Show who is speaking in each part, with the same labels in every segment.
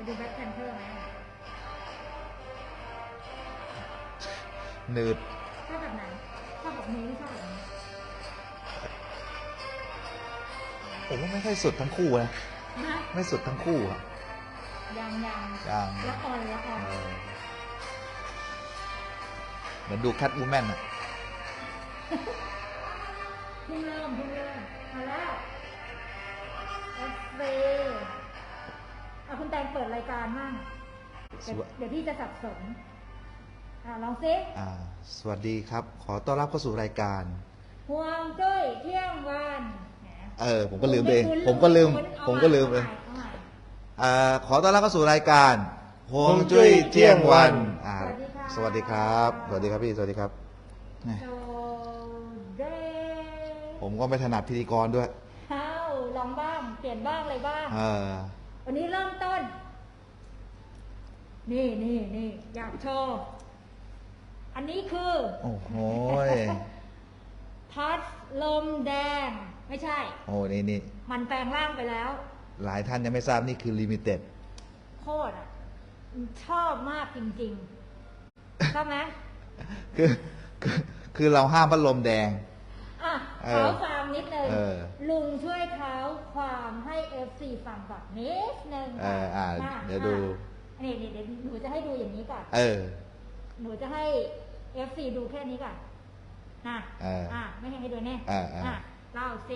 Speaker 1: ดูแบ็คแพนเทอร์ไหม
Speaker 2: หนืด
Speaker 1: ชอบแบบไหนชอบแบบนี้หรือชอบแบบนี้
Speaker 2: ผมว่าไม่ค่อยสุดทั้งคู่นะไม่สุดทั้งคู่อะ
Speaker 1: ยังละคร
Speaker 2: เหมือนดูแคทวูแมนอะ
Speaker 1: เพิ่งเริ่มมาแล้วเอฟเฟเอาคุณแตงเปิดรายการมั่งเดี๋ยวพี่จะสับสนลองซิ
Speaker 2: สวัสดีครับขอต้อนรับเข้าสู่รายการ
Speaker 1: ห่วงจุ้ยเที่ยงวัน
Speaker 2: ผมก็ลืมเองผมก็ลืมเลยขอต้อนรับเข้าสู่รายการห่วงจุ้ยเที่ยงวันสวัสดีครับพี่สวัสดีครับผมก็ไม่ถนัดพิธีกรด้วย
Speaker 1: ลองบ้างเปลี่ยนบ้างอะไรบ้างวันนี้เริ่มต้นนี่อยากโชว์อันนี้คือ
Speaker 2: โอ้โห
Speaker 1: พัดลมแดงไม่ใช่
Speaker 2: นี่
Speaker 1: มันแปลงร่างไปแล้ว
Speaker 2: หลายท่านยังไม่ทราบนี่คือลิมิเต็ด
Speaker 1: โคตรชอบมากจริงๆชอบไหม
Speaker 2: คือเราห้ามพัดลมแดง
Speaker 1: เท้าความนิดนึงลุงช่วยเท้าความให้ FC ฟังก่อนนิดนึง
Speaker 2: เดี๋ยวดู
Speaker 1: นี่เดี๋ยวหนูจะให้ดูอย่างนี้ก่อนหนูจะให้ FC ดูแค่นี้ก่อนไม่ให้ดูแน่เล่าสิ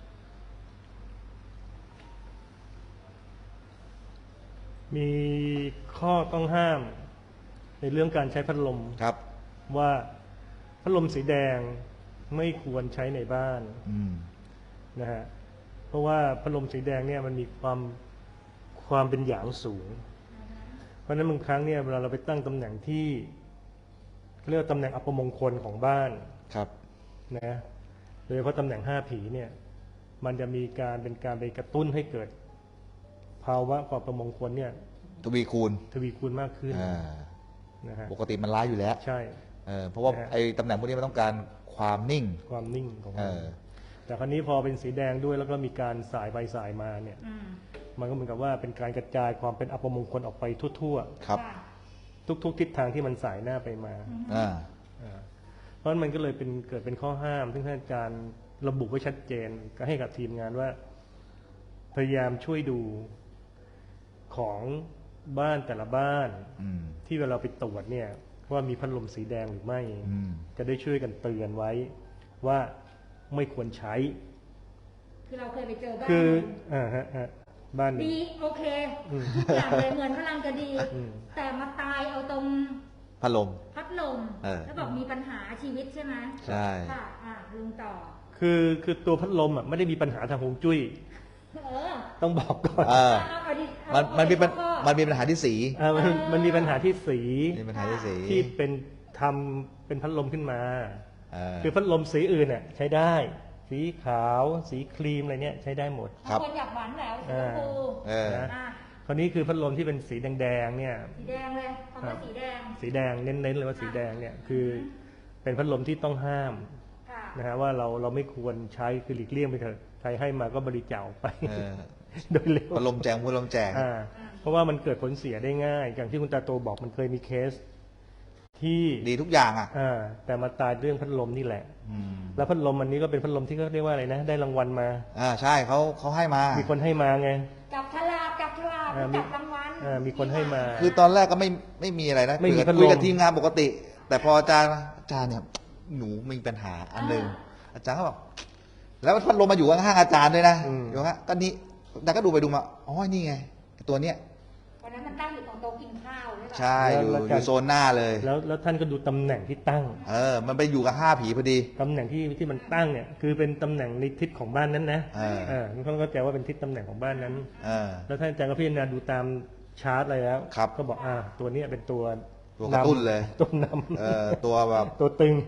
Speaker 3: มีข้อต้องห้ามในเรื่องการใช้พัดลม
Speaker 2: ครับ
Speaker 3: ว่าพัดลมสีแดงไม่ควรใช้ในบ้านนะฮะเพราะว่าพัดลมสีแดงเนี่ยมันมีความเป็นหยางสูงเพราะฉะนั้นบางครั้งเนี่ยเวลาเราไปตั้งตำแหน่งที่เรียกว่าตำแหน่งอัปมงคลของบ้าน
Speaker 2: ครับ
Speaker 3: นะโดยเฉพาะตำแหน่ง5ผีเนี่ยมันจะมีเป็นการไปกระตุ้นให้เกิดภาวะความประมงคลเนี่ย
Speaker 2: ทวีคูณ
Speaker 3: มากขึ้น
Speaker 2: นะฮะปกติมันร้ายอยู่แล้ว
Speaker 3: ใช่
Speaker 2: เพราะว่าไอ้ตำแหน่งพวกนี้มันต้องการความนิ่ง
Speaker 3: ของมันแต่คราวนี้พอเป็นสีแดงด้วยแล้วก็มีการสายไปสายมาเนี่ยมันก็เหมือนกับว่าเป็นการกระจายความเป็นอัปมงคลออกไปทั่ว
Speaker 2: ๆครับ
Speaker 3: ทุกทิศทางที่มันสายหน้าไปมาเพราะฉะนั้นมันก็เลยเกิดเป็นข้อห้ามซึ่งท่านอาจารย์ระบุไว้ชัดเจนก็ให้กับทีมงานว่าพยายามช่วยดูของบ้านแต่ละบ้านที่เวลาไปตรวจเนี่ยว่ามีพัดลมสีแดงหรือไม่จะได้ช่วยกันเตือนไว้ว่าไม่ควรใช้
Speaker 1: คือเราเคยไปเจอบ้าน
Speaker 3: บ้าน
Speaker 1: ดีโอเคทุกอย่างเลยเหมือนกำลังจะดีแต่มาตายเอาตรง
Speaker 2: พัดลม
Speaker 1: แล้วบอกมีปัญหาชีวิตใช่ไหม
Speaker 2: ใช่
Speaker 1: ค่ะลุงต่อ
Speaker 3: คือตัวพัดลมไม่ได้มีปัญหาทางฮวงจุ้ยต้องบอกก่อน
Speaker 2: มันมีปัญหาที่สี
Speaker 3: มันมีปัญหาที่สี
Speaker 2: ที่
Speaker 3: เป็นพัดลมขึ้นมาคือพัดลมสีอื่นเนี่ยใช้ได้สีขาวสีครีมอะไรเนี่ยใช้ได้หมด
Speaker 1: คนอยากหวานแล้วสีชมพู
Speaker 3: คราวนี้คือพัดลมที่เป็นสีแดงเนี่ย
Speaker 1: สีแดงเลยคำว่า
Speaker 3: สีแดงเน้นเลยว่าสีแดงเนี่ยคือเป็นพัดลมที่ต้องห้ามนะฮะว่าเราไม่ควรใช้คือหลีกเลี่ยงไปเถอะใครให้มาก็บริจาคไปโดยเร็ว
Speaker 2: พัดลมแจก
Speaker 3: เพราะว่ามันเกิดผลเสียได้ง่ายอย่างที่คุณตาโตบอกมันเคยมีเคสที่
Speaker 2: ดีทุกอย่าง
Speaker 3: แต่มาตายเรื่องพัดลมนี่แหละแล้วพัดลมอันนี้ก็เป็นพัดลมที่เขาเรียกว่าอะไรนะได้รางวัลมา
Speaker 2: ใช่เขาให้มา
Speaker 3: มีคนให้มาไง
Speaker 1: จับฉลากจับรางวัล
Speaker 3: มีคนให้มา
Speaker 2: คือตอนแรกก็ไม่มีอะไรนะ
Speaker 3: ไม่มีพัดลม
Speaker 2: คุยกับทีมงานปกติแต่พออาจารย์เนี่ยหนูมีปัญหาอันหนึ่งอาจารย์ก็บอกแล้วพัดลมมาอยู่ข้างอาจารย์ด้วยนะอยู่ฮะก็นี่แต่ก็ดูไปดูมานี่ไงตัวเนี้ย
Speaker 1: วันนั้นมันตั้งอยู่ตรงโต๊ะกินข้าว
Speaker 2: ใช่อยู่โซนหน้าเลย
Speaker 3: แล้วท่านก็ดูตำแหน่งที่ตั้ง
Speaker 2: มันไปอยู่กับ5ผีพอดี
Speaker 3: ตำแหน่งที่มันตั้งเนี่ยคือเป็นตำแหน่งในทิศของบ้านนั้นนะท่านก็เข้าใจว่าเป็นทิศตำแหน่งของบ้านนั้นแล้วท่านอาจารย์ก็พิจารณาดูตามชาร์ตอะไรแล้วก็บอกตัวนี้เป็นตัว
Speaker 2: กระตุ้นเลย
Speaker 3: ตัวนำ
Speaker 2: ตัวแบบ
Speaker 3: ตัวตึง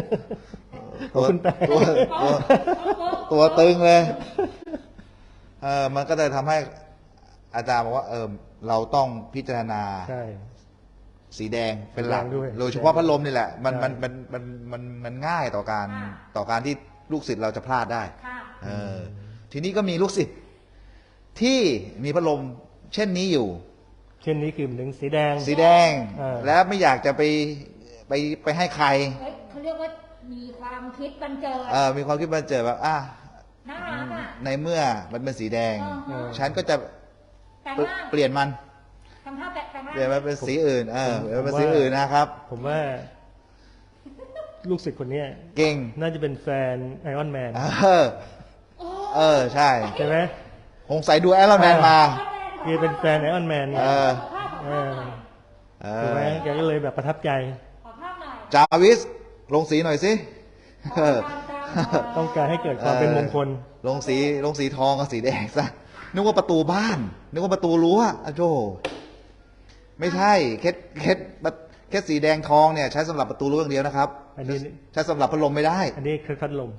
Speaker 2: ตัวตึงเลยมันก็เลยทำให้อาจารย์บอกว่าเราต้องพิจารณาสีแดงเป็นหลักโดยเฉพาะพัดลมนี่แหละมันง่ายต่อการที่ลูกศิษย์เราจะพลาดได้ทีนี้ก็มีลูกศิษย์ที่มีพัดลมเช่นนี้อยู่
Speaker 3: เช่นนี้คือหนึ่งสีแดง
Speaker 2: สีแดง แล้วไม่อยากจะไปให้ใคร
Speaker 1: เขาเรียกว่ามีความคิดบันเจิด
Speaker 2: มีความคิดบันเจิดแบบ
Speaker 1: น่ารักอ่ะ
Speaker 2: ในเมื่อมันเป็นสีแดง ฉันก็จะ
Speaker 1: แต่งร่าง
Speaker 2: เปลี่ยนมัน
Speaker 1: ทำท่าแต่งร่าง
Speaker 2: เปลี่ยนมันเป็นสีอื่นเปลี่ยนมันเป็นสีอื่นนะครับ
Speaker 3: ผมว่า ลูกศิษย์คนเนี้ย
Speaker 2: เก่ง
Speaker 3: น่าจะเป็นแฟนไอออนแมน
Speaker 2: ใช่
Speaker 3: ใช่ไหม
Speaker 2: คงใส่ดูไอรอนแมนมา
Speaker 3: คือเป็นแฟนไอออนแมนเนี่ย ถูกไหมแกก็เลยแบบประทับใจ
Speaker 1: ขอภาพหน่อย
Speaker 2: จาวิสลงสีหน่อยสิ
Speaker 3: ต้องการให้เกิดความเป็นมงคล
Speaker 2: ลงสีทองกับสีแดงซะนึกว่าประตูบ้านนึกว่าประตูรั้วอะโจไม่ใช่แค่สีแดงทองเนี่ยใช้สำหรับประตูรั้วอย่างเดียวนะครับ
Speaker 3: อันนี้
Speaker 2: ใช้สำหรับพัดลมไม่ได้
Speaker 3: อันนี้คือพัดลม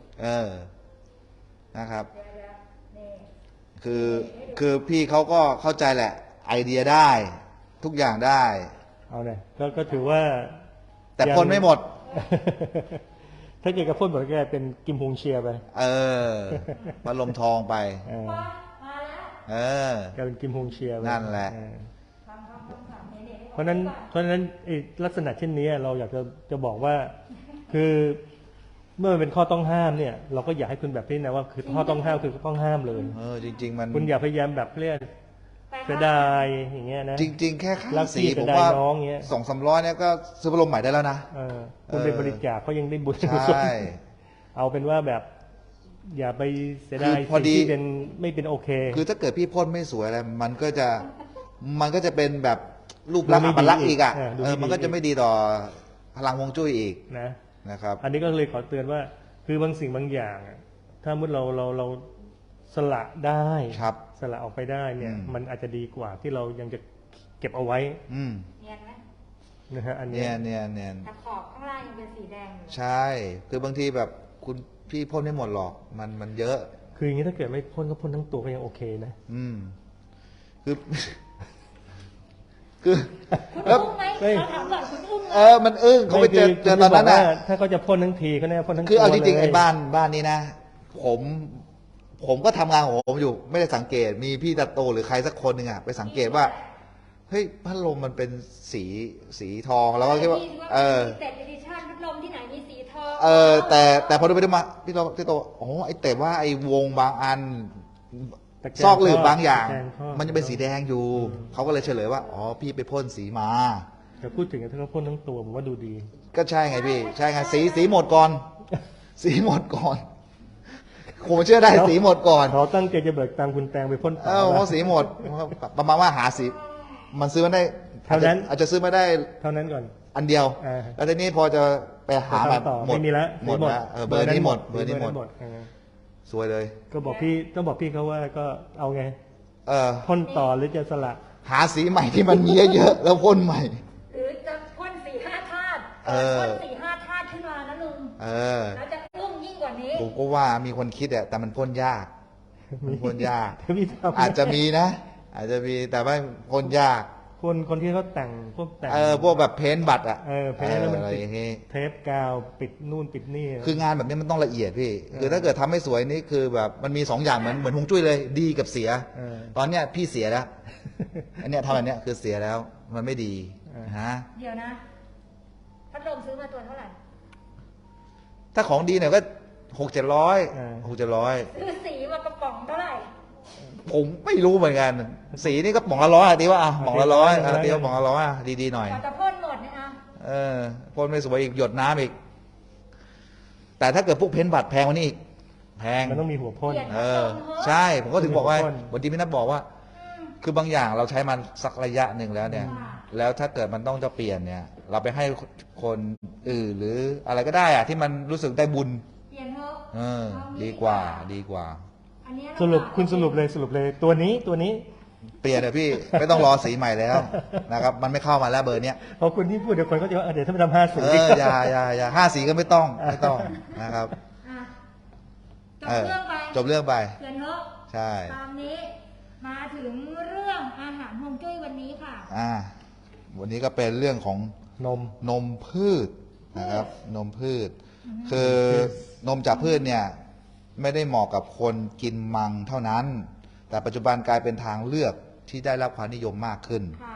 Speaker 2: นะครับ
Speaker 1: นี่
Speaker 2: คือพี่เขาก็เข้าใจแหละ ไอเดียได้ ทุกอย่างได้
Speaker 3: เอาเลยก็ถือว่า
Speaker 2: แต่พ่นไม่หมด
Speaker 3: ถ้าเกิดกับพ่นหมดก็เป็นกิมฮงเชียไป
Speaker 2: พัดลมทองไป
Speaker 1: มาแล้ว
Speaker 3: กลายเป็นกิมฮงเชียไป
Speaker 2: นั่นแหละ
Speaker 1: ฟังนี่
Speaker 3: เพราะฉะนั้นลักษณะเช่นนี้เราอยากจะบอกว่า คือเมื่อมันเป็นข้อต้องห้ามเนี่ย เราก็อยากให้คุณแบบนี้นะว่าคือข้อต้องห้ามคือต้องห้ามเลย
Speaker 2: จริง ๆ มัน
Speaker 3: คุณอย่าพยายามแบบเรียกเสียดายอย่างเงี้ยนะ
Speaker 2: จริง ๆ แค่ค่า
Speaker 3: รัก
Speaker 2: สี
Speaker 3: พี่
Speaker 2: ผม
Speaker 3: เสียดาย
Speaker 2: ว่า
Speaker 3: น้องเงี้ย
Speaker 2: 200-300เนี่ยก็ซื้อพัดลมใหม่ได้แล้วนะ
Speaker 3: คุณเป็นบริจาคเขายังได้บุญ
Speaker 2: ใช่
Speaker 3: เอาเป็นว่าแบบ อย่าไปเสียดาย
Speaker 2: คือพอดี
Speaker 3: สิ่งที่เป็นไม่เป็นโอเค
Speaker 2: คือถ้าเกิดพี่พ่นไม่สวยอะไรมันก็จะเป็นแบบรูปลักษณ์อัปลักษณ์อีกอ่ะ
Speaker 3: ดูไม่ดี
Speaker 2: มันก็จะไม่ดีต่อพลังฮวงจุ้ยอีก นะครับ
Speaker 3: อันนี้ก็เลยขอเตือนว่า คือบางสิ่งบางอย่างอะถ้าเมื่อเราสละได้
Speaker 2: ครับ
Speaker 3: สละออกไปได้เนี่ย
Speaker 2: อืม
Speaker 3: มันอาจจะดีกว่าที่เรายังจะเก็บเอาไว้
Speaker 1: เนียนไหม
Speaker 3: นะฮะอัน
Speaker 2: เนี่
Speaker 3: เนี้
Speaker 2: ย
Speaker 3: ย
Speaker 1: แต่ขอบข้างล่างยังเป็นสีแดงอยู่
Speaker 2: ใช่ คือบางทีแบบคุณพี่พ่นไม่หมดหรอกมันเยอะ
Speaker 3: คืออย่างนี้ถ้าเกิดไม่พ่นก็พ่นทั้งตัวก็ยังโอเคนะ
Speaker 2: คือ คือ
Speaker 1: คุณ
Speaker 2: แล้ว
Speaker 1: อึ้งไหม
Speaker 3: ไม่
Speaker 1: เราถามก่อนคุณอึ้งไหม
Speaker 2: มันอึ้งเขาไปเจอ
Speaker 3: ไม่คื
Speaker 2: เจอตอนนั้น
Speaker 3: ผมจะบ
Speaker 2: น่ะ
Speaker 3: กว่าถ้าเขาจะพ่นทั้งทีก็แน่พ่นทั้งตัว
Speaker 2: คือเอาจริงๆ
Speaker 3: ลย
Speaker 2: ไอ้บ้านนี้นะผมก็ทำงานของผมอยู่ ไม่ได้สังเกตมีพี่ตาโตหรือใครสักคนหนึ่งอะไปสังเกตว่าเฮ้ยพัดลมมันเป็นสีทองแล้วก็คิดว่า
Speaker 1: เต็ดเอดิชั่นพัดลมที่ไหนมีสีทอง
Speaker 2: แต่พอดูไปดูมาพี่โตอ๋อแต่ว่าไอ้วงบางอัน
Speaker 3: ตะแกรง
Speaker 2: ซอกหลืบบางอย่าง
Speaker 3: ตะแกรงครอบ
Speaker 2: มันจะเป็นสีแดงอยู่ เขาก็เลยเฉลยว่าอ๋อพี่ไปพ่นสีมา
Speaker 3: แต่พูดถึงถ้าเขาพ่นทั้งตัวผมว่าดูดี
Speaker 2: ก็ใช่ไงพี่ ใช่ไงสีหมดก่อน สีหมดก่อนผมเชื่อได้สีหมดก่อน
Speaker 3: เขาตั้งใจจะเบิกตังค์คุณแตงไปพ่นต่อ
Speaker 2: เพราะสีหมดประมาณว่าหาสี มันซื้อมาได้
Speaker 3: เท่านั้น
Speaker 2: อาจจะซื้อมาได้
Speaker 3: เท่านั้นก่อน
Speaker 2: อันเดียว แล้วทีนี้พอจะไปหาแบบ
Speaker 3: ต่อ
Speaker 2: หมด
Speaker 3: ไม่มีแล้ว
Speaker 2: หมดแล้วเบอร์นี้หมดเบอร์นี้หมด
Speaker 3: เออ
Speaker 2: สวยเลย
Speaker 3: ก็บอกพี่ต้องบอกพี่เขาว่าก็เอาไง
Speaker 2: เออ
Speaker 3: พ่นต่อหรือจะสละ
Speaker 2: หาสีใหม่ที่มันมีเยอะๆแล้วพ่นใหม่
Speaker 1: หรือจะพ่น4-5 ธาตุ พ่น4-5 ธาตุขึ้นมานะลุง แล้วจะอึ้งยิ่งกว่านี้
Speaker 2: ผมก็ว่ามีคนคิดอะแต่มันพ่นยาก มันพ่นยาก
Speaker 3: พี่ทำ
Speaker 2: อาจจะมีนะ อาจจะมีแต่ว่าพ่นยาก
Speaker 3: คนที่เขาแต่งพวกแต่ง
Speaker 2: พวกแบบเพ้นท์บัตรอะ
Speaker 3: เพ้นท์แล้วมัน
Speaker 2: อะไร
Speaker 3: ติด
Speaker 2: อย่างงี้
Speaker 3: เทปกาวปิดนู่นปิดนี่
Speaker 2: คืองานแบบนี้มันต้องละเอียดพี่ คือถ้าเกิดทำไม่สวยนี่คือแบบมันมี2 อย่างเหมือนฮวงจุ้ยเลย ดีกับเสีย ตอนเนี้ยพี่เสียแล้ว อันเนี้ยทำแบบเนี้ยคือเสียแล้ว มันไม่ดีฮะ
Speaker 1: เดี๋ยวนะ พัดลมซื้อมาตัวเท่าไหร่
Speaker 2: ถ้าของดีหน่อยก็600-700
Speaker 1: ซื้อสีมากระป๋องเท่าไหร่
Speaker 2: ผมไม่รู้เหมือนกัน สีนี่ก็ป๋องละ100อะตีว่าป๋องละ100ตีว่าป๋องละ100อะดีๆหน่อย
Speaker 1: กว่าจะพ่นหมดเนี่ย
Speaker 2: พ่นไม่สวยอีกหยดน้ำอีก แต่ถ้าเกิดพวกเพ้นท์บัตรแพงกว่านี้อีกแพง
Speaker 3: มันต้องมีหัวพ่น
Speaker 2: ใช่ ผมก็ถึงบอกว่า
Speaker 3: พ่น
Speaker 2: วันที่พี่นัทบอกว่า คือบางอย่างเราใช้มันสักระยะหนึ่งแล้วเนี่ย แล้วถ้าเกิดมันต้องจะเปลี่ยนเนี่ย เราไปให้คนอื่นหรืออะไรก็ได้อะที่มันรู้สึกได้บุญ
Speaker 1: เปลี่ยนเถอะ
Speaker 2: ดีกว่า
Speaker 1: อันเนี้ย
Speaker 3: สรุปคุณสรุปเลยตัวนี้
Speaker 2: เปลี่ยนเลยพี่ ไม่ต้องรอสีใหม่แล้วนะครับ มันไม่เข้ามาแล้วเบอร์เนี้ย
Speaker 3: พอคุณที่พูดเดี๋ยวคนก็จะว่าเดี๋ยวถ้าไปทำ50
Speaker 2: อย่า5 สีก็ไม่ต้องนะครับ
Speaker 1: อ่ะจบเรื่องไป
Speaker 2: จบเรื่องไป
Speaker 1: เปลี่ยนเถอะ
Speaker 2: ใช่
Speaker 1: ตามนี้ มาถึงเรื่องอาหารฮวงจุ้ยวันนี้ค่ะ
Speaker 2: วันนี้ก็เป็นเรื่องของ นมพืชนะครับ นมพืช คือนมจากพืชเนี่ยไม่ได้เหมาะกับคนกินมังเท่านั้น แต่ปัจจุบันกลายเป็นทางเลือกที่ได้รับความนิยมมากขึ้น
Speaker 1: ค่ะ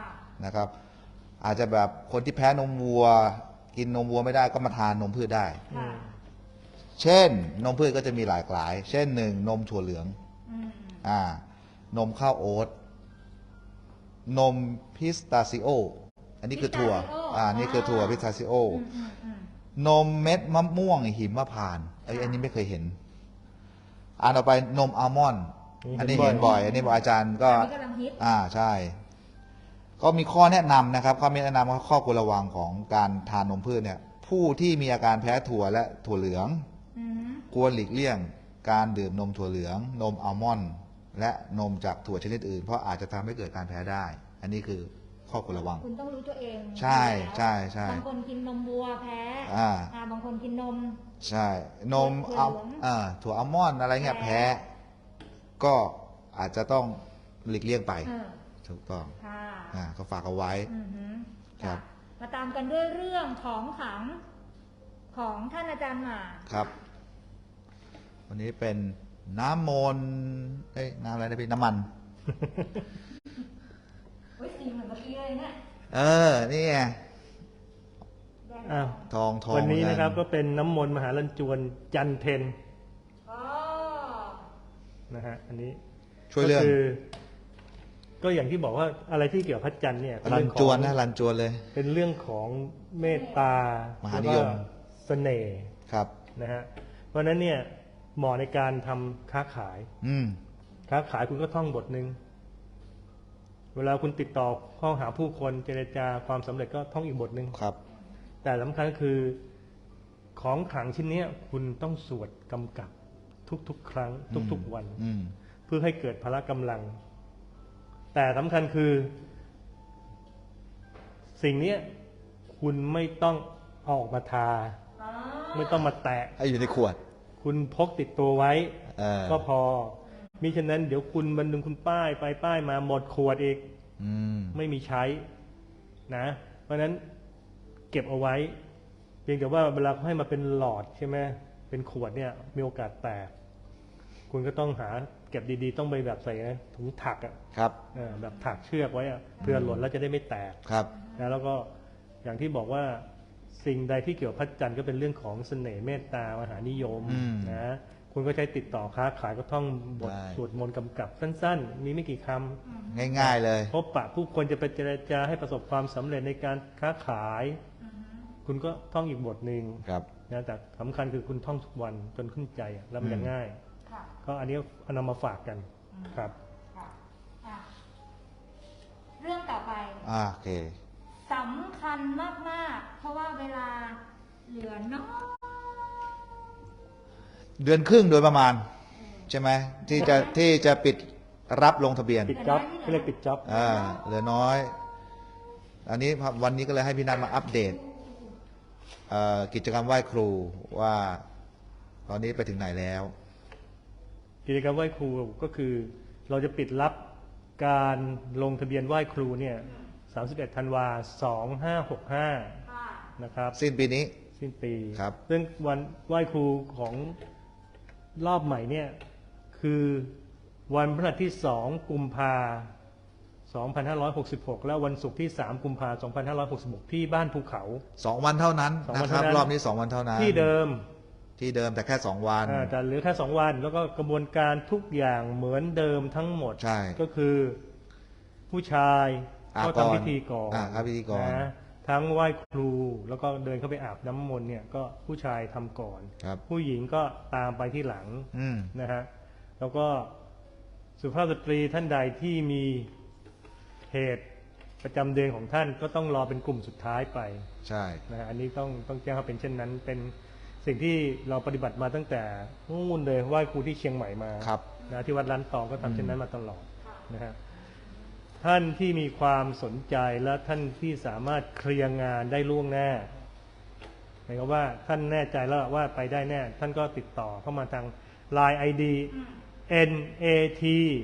Speaker 2: นะครับ อาจจะแบบคนที่แพ้นมวัว กินนมวัวไม่ได้ก็มาทานนมพืชได้
Speaker 1: ค่ะ
Speaker 2: เช่นนมพืชก็จะมีหลากหลาย เช่นหนึ่งนมถั่วเหลือง
Speaker 1: อืม
Speaker 2: นมข้าวโอ๊ตนมพิสตาซิโออันนี้คือถั่ว นี่คือถั่วพิสตาซิโอ นมเม็ดมะม่วงหิมพานต์อันนี้ไม่เคยเห็นต่อไปนมอัลมอนด์อันนี้เห็นบ่อย อันนี้บอกอาจารย์ก็
Speaker 1: อันนี้กำลังฮิต
Speaker 2: ใช่ ก็มีข้อแนะนำนะครับข้อแนะนำข้อควรระวังของการทานนมพืชเนี่ย ผู้ที่มีอาการแพ้ถั่วและถั่วเหลือง
Speaker 1: อืม
Speaker 2: ควรหลีกเลี่ยงการดื่มนมถั่วเหลือง นมอัลมอนด์และนมจากถั่วชนิดอื่น เพราะอาจจะทำให้เกิดการแพ้ได้ อันนี้คือข้อควรระวัง
Speaker 1: คุณต้องรู้ตัวเอง
Speaker 2: ใช่ใช่ใช่
Speaker 1: บางคนกินนมวัวแพ้ บางคนกินนม
Speaker 2: ใช่ นมถั่วอัลมอนด์อะไรเงี้ยแพ้ ก็อาจจะต้องหลีกเลี่ยงไป ถูกต้อง
Speaker 1: ค่ะ
Speaker 2: ก็ฝากเอาไว้
Speaker 1: อือหือ
Speaker 2: ครับ
Speaker 1: มาตามกันด้วยเรื่องของขลังของท่านอาจารย์หมา
Speaker 2: ครับ วันนี้เป็นน้ำมนต์น้ำอะไรนะพี่น้ำมัน
Speaker 1: โอ้ยสีเหมือนเมื่อกี้เลยเนี่ย
Speaker 2: นี่ไง
Speaker 1: แดง
Speaker 3: อ้าว
Speaker 2: ทอง
Speaker 3: วันนี้นะครับ
Speaker 2: เหมื
Speaker 3: ก็
Speaker 2: อ
Speaker 3: เป็นน้ำมนต์มหาลันจวนจันเทน
Speaker 1: อ๋อ
Speaker 3: นะฮะอันนี้
Speaker 2: ช่วยเรื่อง
Speaker 3: ก็คือ ก็อย่างที่บอกว่าอะไรที่เกี่ยวกับพระจันทร์เนี่ยเป็น
Speaker 2: รั
Speaker 3: เรื่
Speaker 2: น
Speaker 3: องข
Speaker 2: จ
Speaker 3: อง
Speaker 2: วนนะรันจวนเลย
Speaker 3: เป็นเรื่องของเมตตาม
Speaker 2: หานิยม
Speaker 3: แล้วก็เสน่ห์
Speaker 2: ครับ
Speaker 3: นะฮะเพราะฉะนั้นเนี่ยเหมาะในการทำค้าขาย ค้าขายคุณก็ท่องบทหนึ่งเวลาคุณติดต่อเข้าหาผู้คนเจรจาความสำเร็จก็ท่องอีกบทหนึ่ง
Speaker 2: ครับ
Speaker 3: แต่สำคัญก็คือของขลังชิ้นเนี้ยคุณต้องสวดกำกับทุกๆ ครั้ง ทุกๆวัน เพื่อให้เกิดพละกำลัง แต่สำคัญคือ สิ่งเนี้ยคุณไม่ต้องเอาออกมาทา
Speaker 1: อ๋อ
Speaker 3: ไม่ต้องมาแตะ
Speaker 2: ให้อยู่ในขวด
Speaker 3: คุณพกติดตัวไว้ ก็พอ มิฉะนั้นเดี๋ยวคุณวันหนึ่งคุณป้ายไปป้ายมาหมดขวดอีก ไม่มีใช้นะ เพราะฉะนั้นเก็บเอาไว้ เพียงแต่ว่าเวลาเขาให้มาเป็นหลอดใช่ไหมเป็นขวดเนี่ยมีโอกาสแตก คุณก็ต้องหาเก็บดีๆ ต้องไปแบบใส่นะถุงถักอ่ะ
Speaker 2: ครับ
Speaker 3: แบบถักเชือกไว้อะเพื่อหล่นแล้วจะได้ไม่แตก
Speaker 2: ครับ
Speaker 3: นะแล้วก็อย่างที่บอกว่าสิ่งใดที่เกี่ยวกับพระจันทร์ก็เป็นเรื่องของเสน่ห์เมตตามหานิยมนะคุณก็ใช้ติดต่อค้าขายก็ท่องบทสวดมนต์กำกับสั้นๆ มีไม่กี่คำ
Speaker 2: ง่ายๆเลย
Speaker 3: พบปะผู้คนจะไปเจรจาให้ประสบความสำเร็จในการค้าขาย คุณก็ท่องอีกบทหนึ่ง
Speaker 2: ครับ
Speaker 3: นะแต่สำคัญคือคุณท่องทุกวันจนขึ้นใจอะแล้วมันจะง่าย
Speaker 1: ค่ะ
Speaker 3: ก็อันนี้เอานำมาฝากกันครับ
Speaker 1: ค่ะอ่ะ เรื่องต่อไป
Speaker 2: โอเค
Speaker 1: สำคัญมากๆ เพราะว่าเวลาเหลือน้อย
Speaker 2: เดือนครึ่งโดยประมาณ ใช่ไหมที่จะปิดรับลงทะเบียน
Speaker 3: ปิดจ็อบเรียกปิดจ็อบ
Speaker 2: เหลือน้อย อันนี้วันนี้ก็เลยให้พี่นัทมาอัปเดตกิจกรรมไหว้ครูว่า ตอนนี้ไปถึงไหนแล้ว
Speaker 3: กิจกรรมไหว้ครูก็คือเราจะปิดรับการลงทะเบียนไหว้ครูเนี่ย31 ธันวา2565
Speaker 1: ค่ะ
Speaker 3: นะครับ
Speaker 2: สิ้นปีนี้
Speaker 3: สิ้นปี
Speaker 2: ครับ
Speaker 3: ซึ่งวันไหว้ครูของรอบใหม่เนี่ยคือวันพฤหัสที่ 2 กุมภา2566 และวันศุกร์ที่ 3 กุมภา2566 ที่บ้านภูเขา
Speaker 2: 2 วันเท่านั้น
Speaker 3: 2 วัน
Speaker 2: นะครับ
Speaker 3: เท่านั้น
Speaker 2: รอบนี้ 2 วันเท่านั้น
Speaker 3: ที่เดิม
Speaker 2: ที่เดิมแต่แค่ 2 วัน
Speaker 3: แต่เหลือแค่2 วัน แล้วก็กระบวนการทุกอย่างเหมือนเดิมทั้งหมด
Speaker 2: ใช่
Speaker 3: ก็คือผู้ชายก็ทำพิธีก่อน
Speaker 2: ครับพิธีก่อน
Speaker 3: นะทั้งไหว้ครูแล้วก็เดินเข้าไปอาบน้ำมนต์เนี่ยก็ผู้ชายทำก่อน
Speaker 2: ครับ
Speaker 3: ผู้หญิงก็ตามไปที่หลัง นะฮะแล้วก็สุภาพสตรีท่านใดที่มีเหตุประจำเดือนของท่านก็ต้องรอเป็นกลุ่มสุดท้ายไป
Speaker 2: ใช่
Speaker 3: นะฮะอันนี้ต้องแจ้งว่าเป็นเช่นนั้น เป็นสิ่งที่เราปฏิบัติมาตั้งแต่นู่นเลยไหว้ครูที่เชียงใหม่มา
Speaker 2: ครับ
Speaker 3: นะที่วัดล้านตองก็ทำเช่นนั้นมาตลอดนะฮะท่านที่มีความสนใจและท่านที่สามารถเคลียร์งานได้ล่วงหน้าหมายความว่าท่านแน่ใจแล้วว่าไปได้แน่ ท่านก็ติดต่อเข้ามาทาง Line ID NAT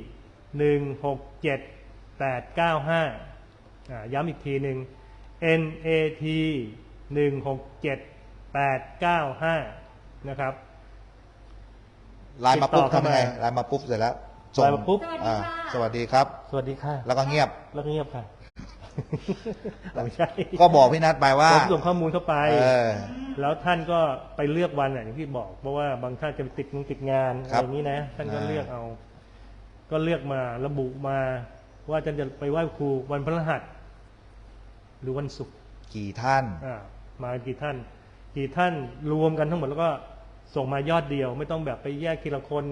Speaker 3: 167895ย้ำอีกทีหนึ่ง NAT 167895นะครับ
Speaker 2: ไลน์มาปุ๊บ
Speaker 3: ติดต่อเข้า
Speaker 2: ทำ
Speaker 3: มา
Speaker 2: ไงไลน์มาปุ๊บเสร็จแล้ว
Speaker 3: ไลน์มาปุ๊บ
Speaker 2: สวัสดีครับ
Speaker 3: สวัสดีค่ะ
Speaker 2: แล้วก็เงียบ
Speaker 3: แล้วก็เงียบค่ะไม่ใช่
Speaker 2: ก็บอกพี่นัทไปว่า
Speaker 3: ผมส่งข้อมูลเข้าไป
Speaker 2: เออ
Speaker 3: แล้วท่านก็ไปเลือกวันอย่างที่บอก เพราะว่าบางท่านจะติดงานอะ
Speaker 2: ครั
Speaker 3: ไร
Speaker 2: บ
Speaker 3: อย่างนี้นะท่านก็เลือกเอา ก็เลือกมาระบุมาว่าท่านจะไปไหว้ครูวันพฤหัสหรือวันศุกร์
Speaker 2: กี่ท่าน
Speaker 3: มากี่ท่านรวมกันทั้งหมดแล้วก็ส่งมายอดเดียว ไม่ต้องแบบไปแยกทีละคน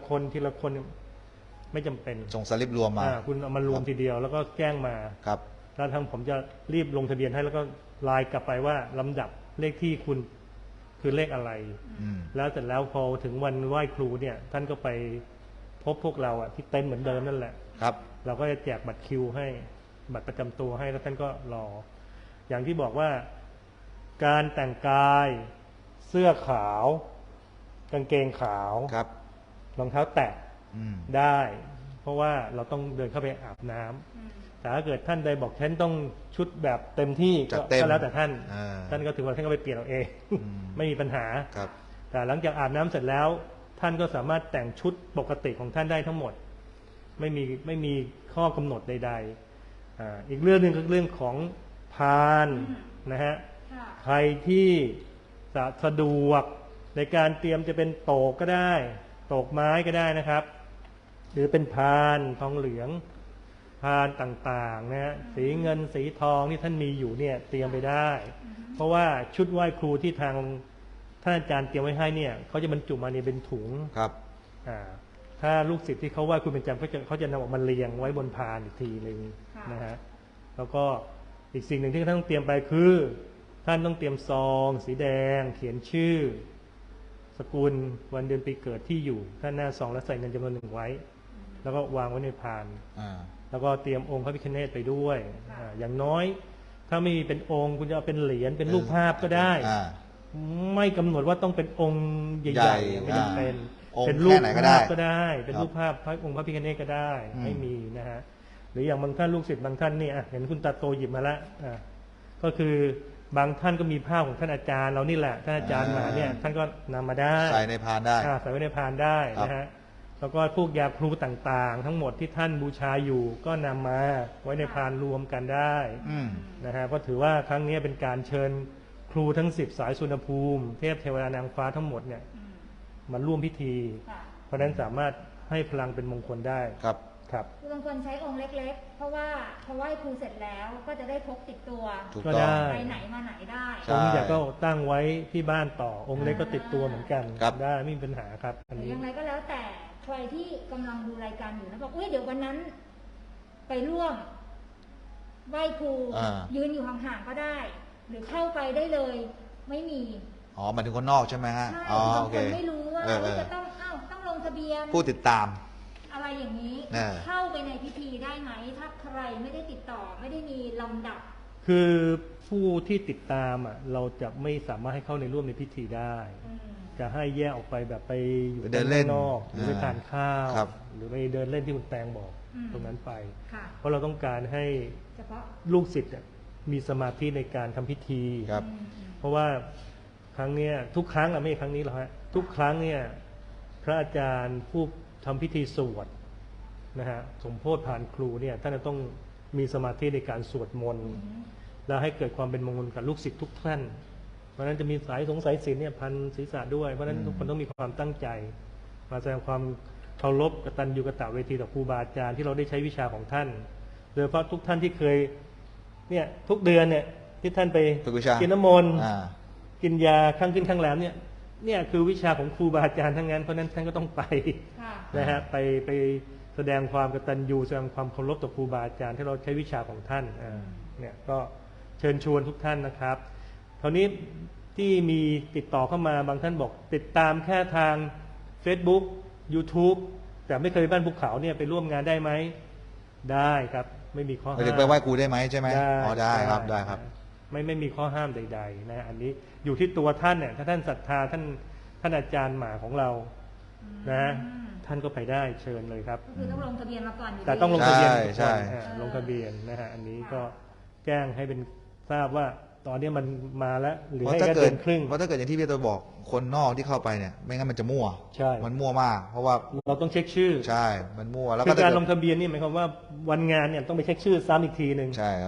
Speaker 3: ไม่จำเป็น
Speaker 2: ส่งสลิปรวมมา
Speaker 3: คุณเอามารวมทีเดียวแล้วก็แจ้งมา
Speaker 2: ครับ
Speaker 3: แล้วทางผมจะรีบลงทะเบียนให้แล้วก็ไลน์กลับไปว่าลำดับเลขที่คุณคือเลขอะไร
Speaker 2: อืม
Speaker 3: แล้วเสร็จแล้วพอถึงวันไหว้ครูเนี่ย ท่านก็ไปพบพวกเราที่เต็นท์เหมือนเดิมนั่นแหละ
Speaker 2: ครับ
Speaker 3: เราก็จะแจกบัตรคิวให้บัตรประจำตัวให้แล้วท่านก็รอ อย่างที่บอกว่า การแต่งกายเสื้อขาว กางเกงขาว
Speaker 2: ครับ
Speaker 3: รองเท้าแตะ
Speaker 2: อืม
Speaker 3: ได้ เพราะว่าเราต้องเดินเข้าไปอาบน้ำแต่ถ้าเกิดท่านใดบอกฉันต้องชุดแบบเต็มที่
Speaker 2: จัดเต็ม
Speaker 3: ก็แล้วแต่ท่าน
Speaker 2: อ่า
Speaker 3: ท่านก็ถือว่าท่านก็ไปเปลี่ยนเอาเอง
Speaker 2: อืม
Speaker 3: ไม่มีปัญหา
Speaker 2: ครับ
Speaker 3: แต่หลังจากอาบน้ำเสร็จแล้ว ท่านก็สามารถแต่งชุดปกติของท่านได้ทั้งหมด ไม่มีข้อกำหนดใดๆอีกเรื่องหนึ่งคือเรื่องของพานนะฮะ
Speaker 1: ค่ะ
Speaker 3: ใครที่สะดวกในการเตรียมจะเป็นโตกก็ได้โตกไม้ก็ได้นะครับ หรือเป็นพานทองเหลืองพานต่างๆนะฮะสีเงินสีทองที่ท่านมีอยู่เนี่ยเตรียมไปได้ เพราะว่าชุดไหว้ครูที่ทางท่านอาจารย์เตรียมไว้ให้เนี่ยเขาจะบรรจุมาในเป็นถุง
Speaker 2: ครับ
Speaker 3: ถ้าลูกศิษย์ที่เขาไหว้ครูเป็นประจำเขาจะนำออกมาเรียงไว้บนพานอีกทีหนึ่งนะฮะแล้วก็อีกสิ่งหนึ่งที่ท่านต้องเตรียมไปคือ ท่านต้องเตรียมซองสีแดง เขียนชื่อ สกุลวันเดือนปีเกิดที่อยู่ท่านหน้าซองแล้วใส่เงินจำนวนหนึ่งไว้ แล้วก็วางไว้ในพาน แล้วก็เตรียมองค์พระพิฆเนศไปด้วยอย่างน้อย ถ้าไม่มีเป็นองค์คุณจะเอาเป็นเหรียญเป็นรูปภาพก็ได้ ไม่กำหนดว่าต้องเป็นองค์ใหญ่ๆไม่จำเป็น เป็นรูปภาพก็ได้ เป็นรูปภาพพระองค์พระพิฆเนศก็ได้ไม่มีนะฮะหรืออย่างบางท่านลูกศิษย์บางท่านนี่เห็นคุณตาโตหยิบมาแล้วก็คือบางท่านก็มีภาพของท่านอาจารย์เรานี่แหละท่านอาจารย์มาเนี่ยท่านก็นำมาได้
Speaker 2: ใส่ในพานได้
Speaker 3: ใส่ไว้ในพานได้นะฮะแล้วก็พวกยาครูต่างๆ ทั้งหมดที่ท่านบูชาอยู่ก็นำมาไว้ในพานรวมกันได้นะฮะก็ถือว่าครั้งนี้เป็นการเชิญครูทั้ง10สายสุนภูมิเทพเทวดานางฟ้าทั้งหมดเนี่ยมาร่วมพิธี เพราะฉะนั้นสามารถให้พลังเป็นมงคลได้ครับ
Speaker 1: คือบางคนใช้องค์เล็กๆเพราะว่าพอไหว้ครูเสร็จแล้วก็จะได้พกติดตัว
Speaker 3: ก็ได้
Speaker 1: ไปไหนมาไหนได้
Speaker 3: องค์ใหญ่ก็ตั้งไว้ที่บ้านต่อองค์เล็กก็ติดตัวเหมือนกันได้ไม่มีปัญหาครับอันนี้
Speaker 1: อย่างไรก็แล้วแต่ใครที่กำลังดูรายการอยู่นะบอกเดี๋ยววันนั้นไปร่วมไหว้ครูยืนอยู่ห่างๆก็ได้ หรือเข้าไปได้เลยไม่มี
Speaker 2: หมายถึงคนนอกใช่ไหมฮะ
Speaker 1: ใช่บางคนไม่รู้ว่าจะต้องลงทะเบียน
Speaker 2: ผู้ติดตาม
Speaker 1: อะไรอย่างนี้เข้าไปในพิธีได้ไหมถ้าใครไม่ได้ติดต่อไม่ได้มีลำดับ
Speaker 3: คือผู้ที่ติดตามเราจะไม่สามารถให้เข้าในร่วมในพิธีได้จะให้แยกออกไปแบบไปอยู่
Speaker 2: เดินเล่น
Speaker 3: นอกหรือไปทานข้าวหรือไปเดินเล่นที่คุณแตงบอกตรงนั้นไปเพราะเราต้องการให้ลูกศิษย์มีสมาธิในการทำพิธีเพราะว่าครั้งนี้ทุกครั้งไม่ใช่ครั้งนี้หรอกฮะทุกครั้งเนี่ยพระอาจารย์ผู้ทำพิธีสวดนะฮะสมโภชผ่านครูเนี่ยท่านจะต้องมีสมาธิในการสวดมนต์แล้วให้เกิดความเป็นมงคลกับลูกศิษย์ทุกท่านเพราะฉะนั้นจะมีสายสงสัยศีลเนี่ยพันศีรษะด้วยเพราะฉะนั้นทุกคนต้องมีความตั้งใจมาแสดงความเคารพกตัญญูกตเวทีต่อครูบาอาจารย์ที่เราได้ใช้วิชาของท่านโดยเฉพาะทุกท่านที่เคยเนี่ยทุกเดือนเนี่ยที่ท่านไปกินน้ำมนต์กินยาข้างขึ้นข้างแรมเนี่ยคือวิชาของครูบาอาจารย์ทั้งนั้นเพราะนั้นท่านก็ต้องไปนะฮะไปแสดงความกตัญญูแสดงความเคารพต่อครูบาอาจารย์ที่เราใช้วิชาของท่านเนี่ยก็เชิญชวนทุกท่านนะครับคราวนี้ที่มีติดต่อเข้ามาบางท่านบอกติดตามแค่ทาง Facebook YouTube แต่ไม่เคยบ้านภูเขาเนี่ยไปร่วมงานได้ไหมได้ครับไม่มีข้อห้าม
Speaker 2: ไปไหว้ครูได้ไหมใช่ไหมได้ครับได้ครับ
Speaker 3: ไม่มีข้อห้ามใดๆนะอันนี้อยู่ที่ตัวท่านเนี่ยถ้าท่านศรัทธาท่านอาจารย์หมาของเรานะท่านก็ไปได้เชิญเลยครับ
Speaker 1: คือต้องลงทะเบียนมาก่อน
Speaker 3: แต่ต้องลงทะเบียนใช่ลงทะเบียนนะฮะอันนี้ก็แจ้งให้เป็นทราบว่าตอนนี้มันมาแล้วหรือให้แค่เดือนครึ่ง
Speaker 2: เพราะถ้าเกิดอย่างที่พี่ตัวบอกคนนอกที่เข้าไปเนี่ยไม่งั้นมันจะมั่ว
Speaker 3: ใช่
Speaker 2: มันมั่วมากเพราะว่า
Speaker 3: เราต้องเช็คชื่อ
Speaker 2: ใช่มันมั่วแล้ว
Speaker 3: ก็การลงทะเบียนนี่หมายความว่าวันงานเนี่ยต้องไปเช็คชื่อซ้ำอีกทีหนึ่ง
Speaker 2: ใช่ครับ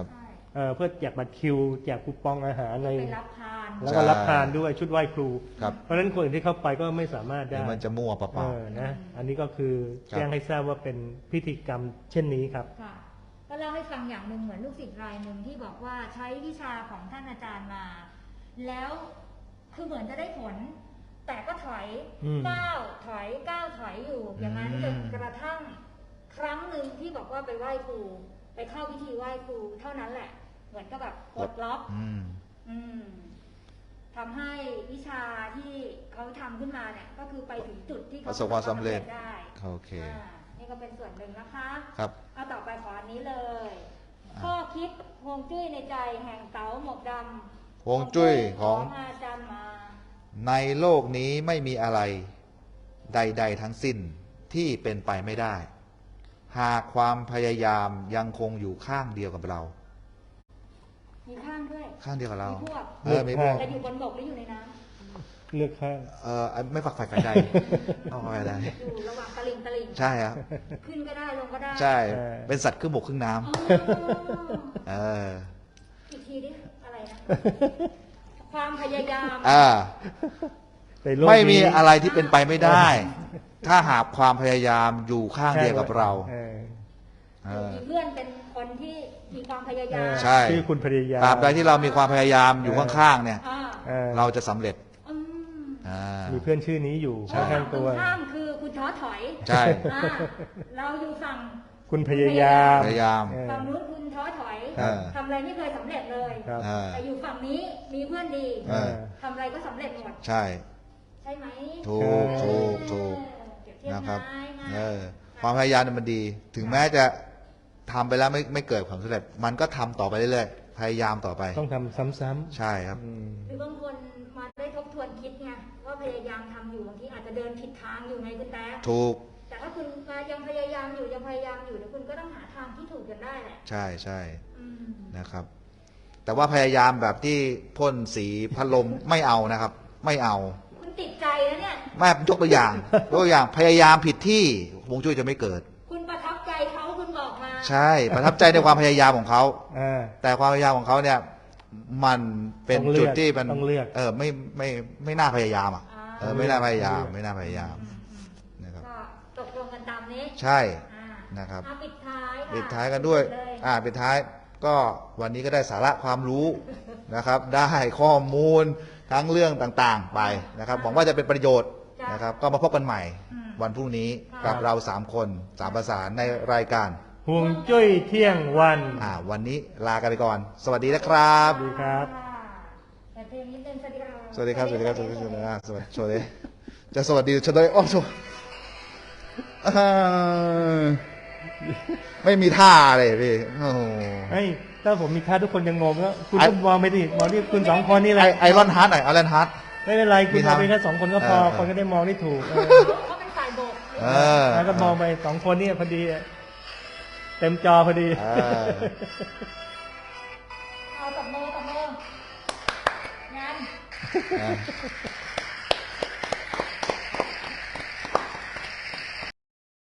Speaker 3: เพื่อแจกบัตรคิวแจกคูปองอาหารอะไร
Speaker 1: ไปรับทาน
Speaker 3: แล้วก็รับทานด้วยชุดไหว้ครู
Speaker 2: ครับ
Speaker 3: เพราะฉะนั้นคนอื่นที่เข้าไปก็ไม่สามารถ
Speaker 2: เดี๋
Speaker 3: ได้
Speaker 2: ยวมันจะมั่วเปล่า
Speaker 3: นะอันนี้ก็คือ
Speaker 2: ครับ
Speaker 3: แจ้งให้ทราบว่าเป็นพิธีกรรมเช่นนี้ครับ
Speaker 1: ค่ะก็เล่าให้ฟังอย่างหนึ่งเหมือนลูกศิษย์รายหนึ่งที่บอกว่าใช้วิชาของท่านอาจารย์มา แล้วคือเหมือนจะได้ผล แต่ก็ถอย
Speaker 3: อืม
Speaker 1: ก้าวถอยอยู่ อย่างนั้นจนกระทั่งครั้งหนึ่งที่บอกว่าไปไหว้ครูไปเข้าพิธีไหว้ครูเท่านั้นแหละ เหมือนกับแบบปลดล็อก
Speaker 2: ๆ
Speaker 1: อืมทำให้วิชาที่เขาทำขึ้นมาเนี่ยก็คือไปถึงจุดที่เขา
Speaker 2: ประสบความสำเร็จ
Speaker 1: ได้
Speaker 2: โอเค
Speaker 1: นี่ก็เป็นส่วนหนึ่งนะคะ
Speaker 2: ครับ
Speaker 1: เอาต่อไปขออันนี้เลย ข้อคิดฮวงจุ้ยในใจแห่งเต๋าหมวกดำ
Speaker 2: ฮวงจุ้ยของ
Speaker 1: อาจารย์มา
Speaker 2: ในโลกนี้ไม่มีอะไรใด ๆ ทั้งสิ้นที่เป็นไปไม่ได้ หากความพยายามยังคงอยู่ข้างเดียวกับเรา
Speaker 1: มีข้างด้วย
Speaker 2: ข้างเดียวกับเรา
Speaker 1: มีพวก
Speaker 2: มีพวก
Speaker 1: แต่อยู่บนบกหรืออยู่ในน้
Speaker 3: เลือกข้าง
Speaker 2: ไม่ฝักใฝ่กันใดเอาไปได้
Speaker 1: ำอยู่ระหว่างตะลิง
Speaker 2: ใช่ครับ
Speaker 1: ขึ้นก็ได้ลงก็ได้
Speaker 2: ใช่
Speaker 3: เออ
Speaker 2: เป็นสัตว์ครึ่งบกครึ่งน้
Speaker 1: อ๋อ
Speaker 2: ำเออ
Speaker 1: อีกทีดิอะไรนะ ความพยายาม
Speaker 3: ในโลกนี้
Speaker 2: ไม่มีอะไรที่เป็นไปไม่ได้ ถ้าหากความพยายามอยู่ข้างเดียวกับเรา
Speaker 1: มีเพื่อนเป็นคนที่มีความพยายาม
Speaker 2: ใช่
Speaker 3: ชื่อคุณพยายาม
Speaker 2: ตราบใดที่เรามีความพยายามอยู่ข้างๆเนี่ย
Speaker 1: อ่า
Speaker 2: เราจะสำเร็จ
Speaker 1: อืม
Speaker 3: มีเพื่อนชื่อนี้อยู่
Speaker 2: ใช่
Speaker 3: ข้างๆตัว
Speaker 1: ตรงข้ามคือคุณท้อถอย
Speaker 2: ใช่
Speaker 1: อ่าเราอยู่ฝั่ง
Speaker 3: คุณพยายาม
Speaker 2: พยายาม
Speaker 1: ฝั่งนู้นคุณท้อถอย
Speaker 3: ครับ
Speaker 1: ทำอะไรไม่เคยสำเร็จเลย
Speaker 3: ครับ
Speaker 1: แต่อยู่ฝั่งนี้มีเพื่อนดี
Speaker 2: เออ
Speaker 1: ทำอะไรก็สำเร็จหมด
Speaker 2: ใช่
Speaker 1: ใช่ไหม
Speaker 2: ถูกถูกถูก
Speaker 1: เปรียบเทียบ
Speaker 2: นะครับ
Speaker 1: ง่ายๆ
Speaker 2: ความพยายามเนี่ยมันดี ถึงแม้จะทำไปแล้วไม่เกิดความสำเร็จ มันก็ทำต่อไปเรื่อยๆ พยายามต่อไป
Speaker 3: ต้องทำซ้ำ
Speaker 2: ใช่ครับ
Speaker 3: ๆ
Speaker 1: หรือบางคนมาได้ทบทวนคิดไงว่าพยายามทำอยู่บางทีอาจจะเดินผิดทางอยู่ไงคุณแต๊ะ
Speaker 2: ถูก
Speaker 1: แต่ถ้าคุณยังพยายามอยู่เดี๋ยวคุณก็ต้องหาทางที่ถูกกันได้แหละ
Speaker 2: ใช่ใช่
Speaker 1: อืม
Speaker 2: นะครับ แต่ว่าพยายามแบบที่พ่นสีพัดลม ไม่เอานะครับ ไม่เอา
Speaker 1: คุณติดใจแล้วเนี่ย
Speaker 2: แม่ยกตัวอย่างยกตัวอย่างพยายามผิดที่ฮวงจุ้ยจะไม่เกิด
Speaker 1: คุณประทับใจเขาคุณบอกมา
Speaker 2: ใช่ประทับใจในความพยายามของเขา
Speaker 3: อ่า
Speaker 2: แต่ความพยายามของเขาเนี่ยมันเป็น
Speaker 3: ต้องเลือก
Speaker 2: จุดที่มัน
Speaker 3: ต้องเลือก
Speaker 2: ไม่น่าพยายามอ่ะ ไม่น่าพยายาม
Speaker 3: ต้องเลือก
Speaker 2: ไม่น่าพยายามนะครับ
Speaker 1: ก็ตกลงกันตามนี้
Speaker 2: ใช่
Speaker 1: อ่า
Speaker 2: นะครับ
Speaker 1: เอาปิดท้ายค่ะ
Speaker 2: ปิดท้ายกันด้วย
Speaker 1: เลย
Speaker 2: ปิดท้ายก็วันนี้ก็ได้สาระความรู้นะครับ ได้ข้อมูลทั้งเรื่องต่างๆไปนะครับหวังว่าจะเป็นประโยชน์นะครับ ก็มาพบกันใหม่ วันพรุ่งนี้กับเรา3 คน3ภาษาในรายการ
Speaker 3: ห่วงจุ้ยเที่ยงวัน
Speaker 2: วันนี้ลากันไปก่อน สวัสดีนะครับ
Speaker 3: สวัสดีครับ
Speaker 1: แต่เพลงนิดนึงสวัสดีครับ
Speaker 2: สวัสดีครับ สวัสดีครับ สวัสดีครับสวัสดีสวัสดีจะสวัสดีจะได้อ้อสวัสดีไม่มีท่าเลยพี่โอ้โห
Speaker 3: เฮ้ย ถ้าผมมีท่าทุกคนยังงงแล้วคุณก็มองไปดิมองที่คุณ2 คนนี่แหละ
Speaker 2: ไอรอนฮาร์ดหน่อยไอรอนฮาร์ด
Speaker 3: ไม่เป็นไรคุณ
Speaker 2: มี
Speaker 3: ม
Speaker 2: ทา
Speaker 3: อง งไปแค่2 คนก็พอ คนก็ได้มองได้ถูก
Speaker 1: เขาเป็นฝ่ายโบก
Speaker 3: แล้วก็มองไป2 คนนี่พอดี เต็มจอพอดี
Speaker 1: เอาตบมืองาน